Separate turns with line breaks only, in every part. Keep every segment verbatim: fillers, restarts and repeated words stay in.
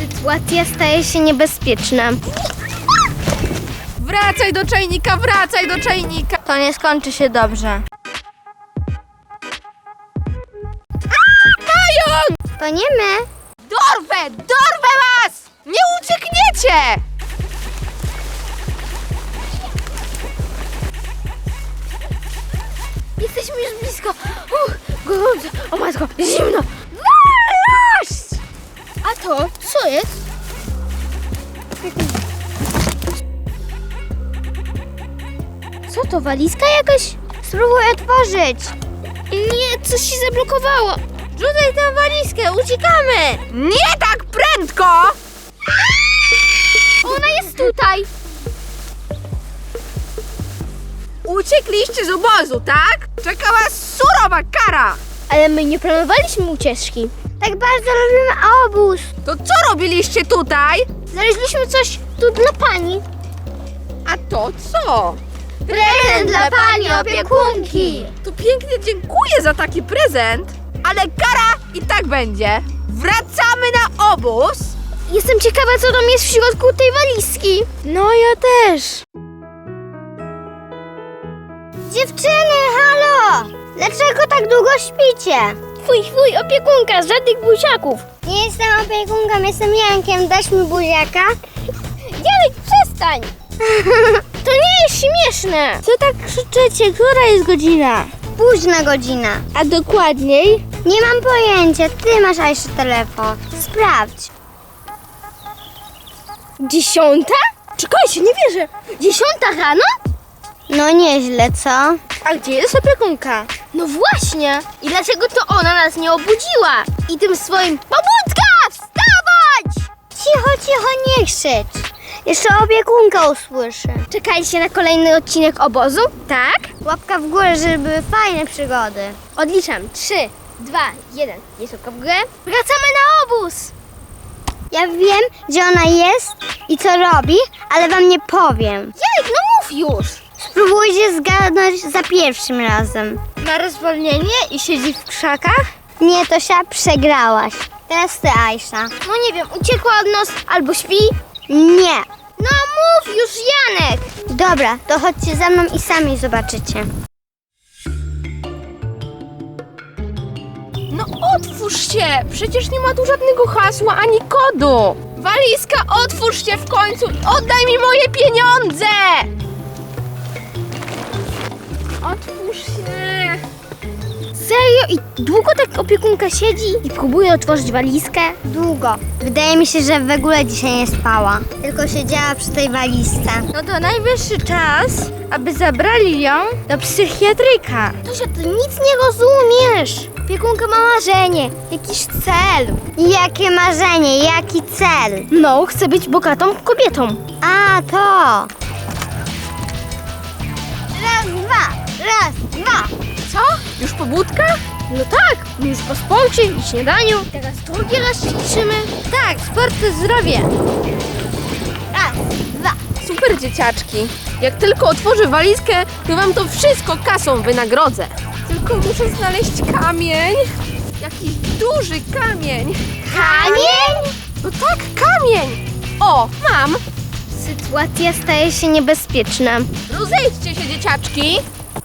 Sytuacja staje się niebezpieczna.
Wracaj do czajnika, wracaj do czajnika!
To nie skończy się dobrze.
Pająk!
To nie my.
Dorwę! Dorwę was! Nie uciekniecie!
Jesteśmy już blisko. Uch, gorąco. O matko, zimno. Walaść! A to co jest? Co to, walizka jakaś? Spróbuj otworzyć. Nie, coś się zablokowało. Rzucaj tę walizkę, uciekamy.
Nie tak prędko!
Ona jest tutaj.
Uciekliście z obozu, tak? Czeka was surowa kara!
Ale my nie planowaliśmy ucieczki. Tak bardzo lubimy obóz.
To co robiliście tutaj?
Znaleźliśmy coś tu dla pani.
A to co?
Prezent dla pani opiekunki.
To pięknie dziękuję za taki prezent, ale kara i tak będzie. Wracamy na obóz.
Jestem ciekawa, co tam jest w środku tej walizki. No, ja też. Dziewczyny, halo! Dlaczego tak długo śpicie? Twój, twój, opiekunka, żadnych buziaków. Nie jestem opiekunką, jestem Jankiem. Dasz mi buziaka? Janek, przestań! To nie jest śmieszne. Co tak krzyczycie? Która jest godzina? Późna godzina. A dokładniej? Nie mam pojęcia. Ty masz jeszcze telefon. Sprawdź. Dziesiąta? Czekajcie, nie wierzę. Dziesiąta rano? No nieźle, co? A gdzie jest opiekunka? No właśnie. I dlaczego to ona nas nie obudziła? I tym swoim pobudka! Wstawać! Cicho, cicho, nie krzycz. Jeszcze opiekunka usłyszy. Czekajcie na kolejny odcinek obozu? Tak? Łapka w górę, żeby były fajne przygody. Odliczam. Trzy, dwa, jeden. Jest łapka w górę. Wracamy na obóz! Ja wiem, gdzie ona jest i co robi, ale wam nie powiem. Janek, no mów już! Spróbujcie zgadnąć za pierwszym razem. Ma rozwolnienie i siedzi w krzakach? Nie, Tosia, przegrałaś. Teraz ty, Aisza. No nie wiem, uciekła od nas albo śpi? Nie. No mów już, Janek! Dobra, to chodźcie za mną i sami zobaczycie.
No otwórz się! Przecież nie ma tu żadnego hasła ani kodu! Walizka, otwórz się w końcu i oddaj mi moje pieniądze! Otwórz się!
Serio? I długo tak opiekunka siedzi i próbuje otworzyć walizkę? Długo. Wydaje mi się, że w ogóle dzisiaj nie spała. Tylko siedziała przy tej walizce. No to najwyższy czas, aby zabrali ją do psychiatryka. Tosia, ty nic nie rozumiesz. Opiekunka ma marzenie, jakiś cel. Jakie marzenie? Jaki cel? No, chce być bogatą kobietą. A, to. Raz, dwa. Raz, dwa.
Co? Już pobudka?
No tak, już po sporcie i śniadaniu. Teraz drugi raz ćwiczymy. Tak, sport to zdrowie. Raz, dwa.
Super, dzieciaczki. Jak tylko otworzę walizkę, to wam to wszystko kasą wynagrodzę. Tylko muszę znaleźć kamień. Jakiś duży kamień.
Kamień?
No tak, kamień. O, mam.
Sytuacja staje się niebezpieczna.
Rozejdźcie się, dzieciaczki.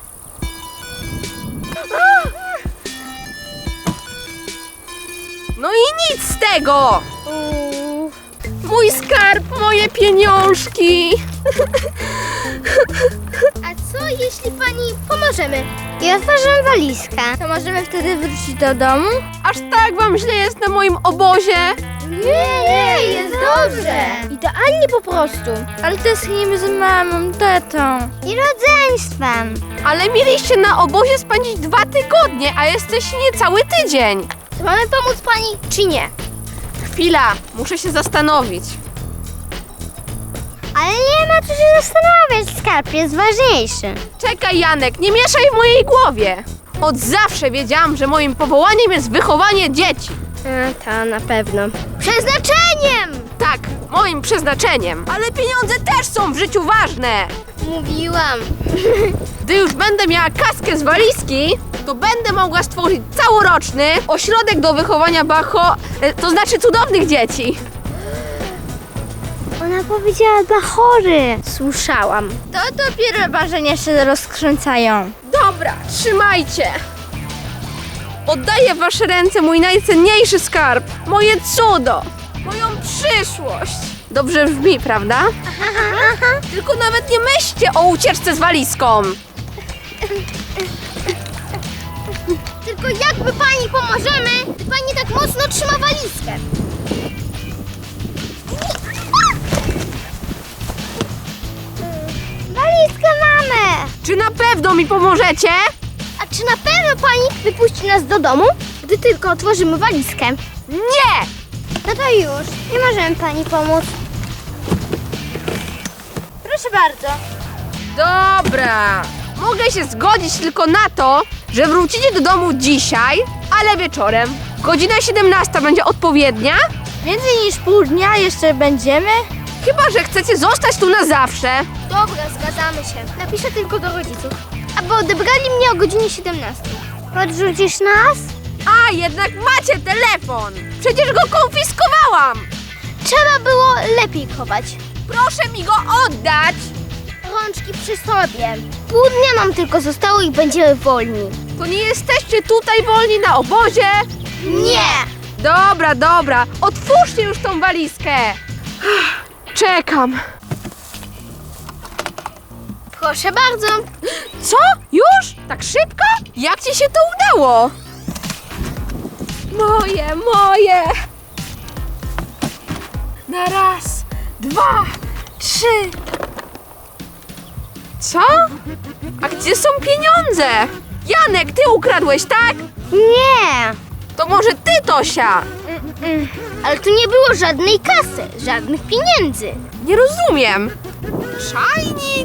No i nic z tego. Mój skarb, moje pieniążki.
A co jeśli pani pomożemy? I otworzymy walizkę. To możemy wtedy wrócić do domu?
Aż tak wam źle jest na moim obozie?
Nie, nie, jest dobrze. Idealnie po prostu. Ale tęsknimy z mamą, tatą. I rodzeństwem.
Ale mieliście na obozie spędzić dwa tygodnie, a jesteście niecały tydzień.
To mamy pomóc pani, czy nie?
Chwila, muszę się zastanowić.
Ale nie ma co się zastanawiać, skarb jest ważniejszy.
Czekaj, Janek, nie mieszaj w mojej głowie. Od zawsze wiedziałam, że moim powołaniem jest wychowanie dzieci.
A, to na pewno. Przeznaczeniem!
Tak, moim przeznaczeniem. Ale pieniądze też są w życiu ważne.
Mówiłam.
Gdy już będę miała kaskę z walizki, to będę mogła stworzyć całoroczny ośrodek do wychowania bacho, e, to znaczy cudownych dzieci.
Ona powiedziała dla chory. Słyszałam. To dopiero marzenia się rozkręcają.
Dobra, trzymajcie. Oddaję w wasze ręce mój najcenniejszy skarb. Moje cudo. Moją przyszłość. Dobrze brzmi, prawda?
Aha, aha.
Tylko nawet nie myślcie o ucieczce z walizką.
Tylko jakby pani pomożemy, to pani tak mocno trzyma walizkę. Walizkę mamy!
Czy na pewno mi pomożecie?
A czy na pewno pani wypuści nas do domu, gdy tylko otworzymy walizkę?
Nie!
No to już, nie możemy pani pomóc. Proszę bardzo.
Dobra. Mogę się zgodzić tylko na to, że wrócicie do domu dzisiaj, ale wieczorem. Godzina siedemnasta będzie odpowiednia?
Więcej niż pół dnia jeszcze będziemy?
Chyba że chcecie zostać tu na zawsze.
Dobra, zgadzamy się. Napiszę tylko do rodziców. Aby odebrali mnie o godzinie siedemnastej. Podrzucisz nas?
A, jednak macie telefon. Przecież go konfiskowałam.
Trzeba było lepiej chować.
Proszę mi go oddać.
Rączki przy sobie. Pół dnia nam tylko zostało i będziemy wolni.
To nie jesteście tutaj wolni na obozie?
Nie!
Dobra, dobra. Otwórzcie już tą walizkę. Czekam.
Proszę bardzo.
Co? Już? Tak szybko? Jak ci się to udało? Moje, moje. Na raz, dwa, trzy. Co? A gdzie są pieniądze? Janek, ty ukradłeś, tak?
Nie!
To może ty, Tosia?
Mm, ale tu nie było żadnej kasy, żadnych pieniędzy.
Nie rozumiem. Czajnik?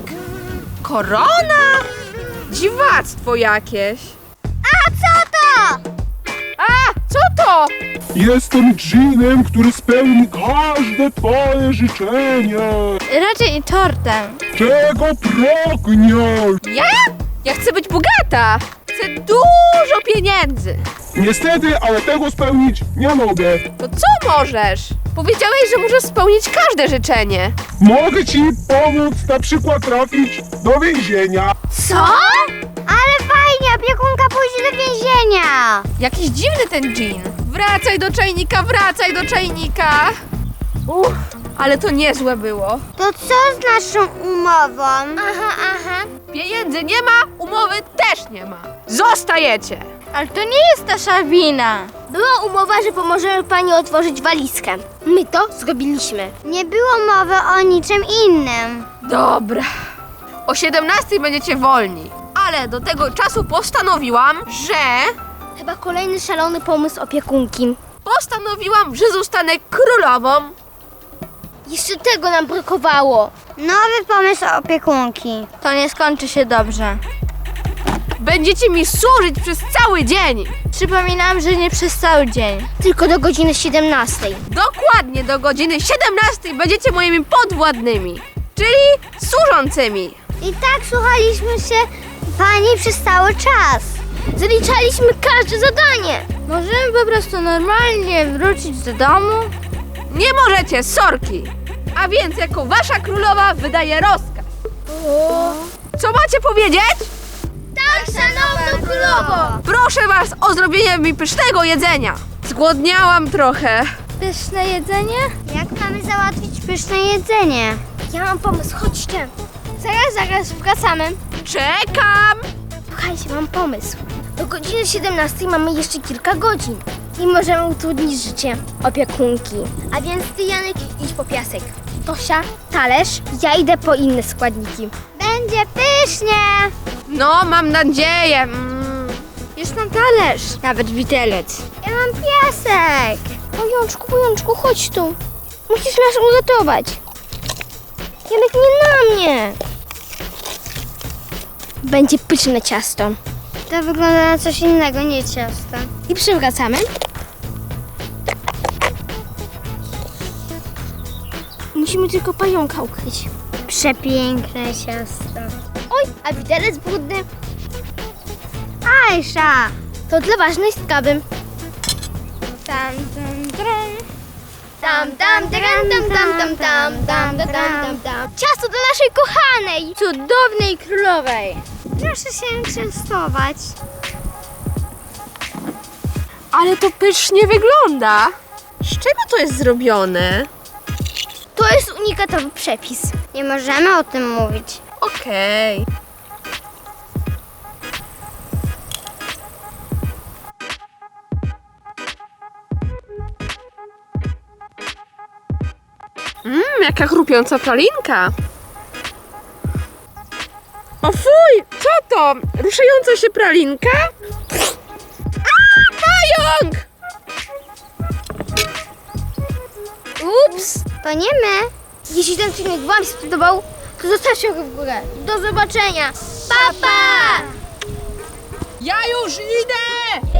Korona? Dziwactwo jakieś.
A co to?
A, co to?
Jestem dżinem, który spełni każde twoje życzenie.
Raczej tortem.
Czego pragniesz?
Ja? Ja chcę być bogata. Chcę dużo pieniędzy.
Niestety, ale tego spełnić nie mogę.
To co możesz? Powiedziałeś, że możesz spełnić każde życzenie.
Mogę ci pomóc na przykład trafić do więzienia.
Co? Ale fajnie, opiekunka pójdzie do więzienia.
Jakiś dziwny ten dżin. Wracaj do czajnika, wracaj do czajnika. Uff, ale to niezłe było.
To co z naszą umową? Aha, aha.
Pieniędzy nie ma, umowy też nie ma. Zostajecie.
Ale to nie jest nasza wina. Była umowa, że pomożemy pani otworzyć walizkę. My to zrobiliśmy. Nie było mowy o niczym innym.
Dobra. O siedemnastej będziecie wolni. Ale do tego czasu postanowiłam, że...
Chyba kolejny szalony pomysł opiekunki.
Postanowiłam, że zostanę królową.
Jeszcze tego nam brakowało. Nowy pomysł opiekunki. To nie skończy się dobrze.
Będziecie mi służyć przez cały dzień.
Przypominam, że nie przez cały dzień. Tylko do godziny siedemnastej.
Dokładnie do godziny siedemnastej będziecie moimi podwładnymi, czyli służącymi.
I tak słuchaliśmy się pani przez cały czas. Zaliczaliśmy każde zadanie. Możemy po prostu normalnie wrócić do domu?
Nie możecie, sorki. A więc jako wasza królowa wydaje rozkaz. Co macie powiedzieć?
Tak, szanowna królowo!
Proszę was o zrobienie mi pysznego jedzenia. Zgłodniałam trochę.
Pyszne jedzenie? Jak mamy załatwić pyszne jedzenie? Ja mam pomysł, chodźcie. Zaraz, zaraz wracamy.
Czekam.
Słuchajcie, mam pomysł. Do godziny siedemnastej mamy jeszcze kilka godzin. I możemy utrudnić życie opiekunki. A więc ty, Janek, idź po piasek. Tosia, talerz, ja idę po inne składniki. Będzie pysznie!
No, mam nadzieję. Mm.
Już mam talerz. Nawet widelec. Ja mam piasek. Pojączku, pojączku, chodź tu. Musisz nas uratować. Janek, nie na mnie. Będzie pyszne ciasto. To wygląda na coś innego, nie ciasto. I przywracamy. Musimy tylko pająka ukryć. Przepiękne ciasto. Oj, a widelec brudny. Ajsza! To dla ważnej sprawy. Tam, tam, tam. tam, tam, tam, tam, tam, tam, tam, tam, tam, tam, tam. Ciasto dla naszej kochanej, cudownej królowej. Proszę się częstować.
Ale to pysznie wygląda. Z czego to jest zrobione?
To jest unikatowy przepis. Nie możemy o tym mówić.
Okej. Mmm, jaka chrupiąca pralinka. O fuj, co to? Ruszająca się pralinka? A, pająk!
Ups, to nie my. Jeśli ten filmik Wam się spodobał, to zostawcie go w górę. Do zobaczenia. Pa, pa!
Ja już idę!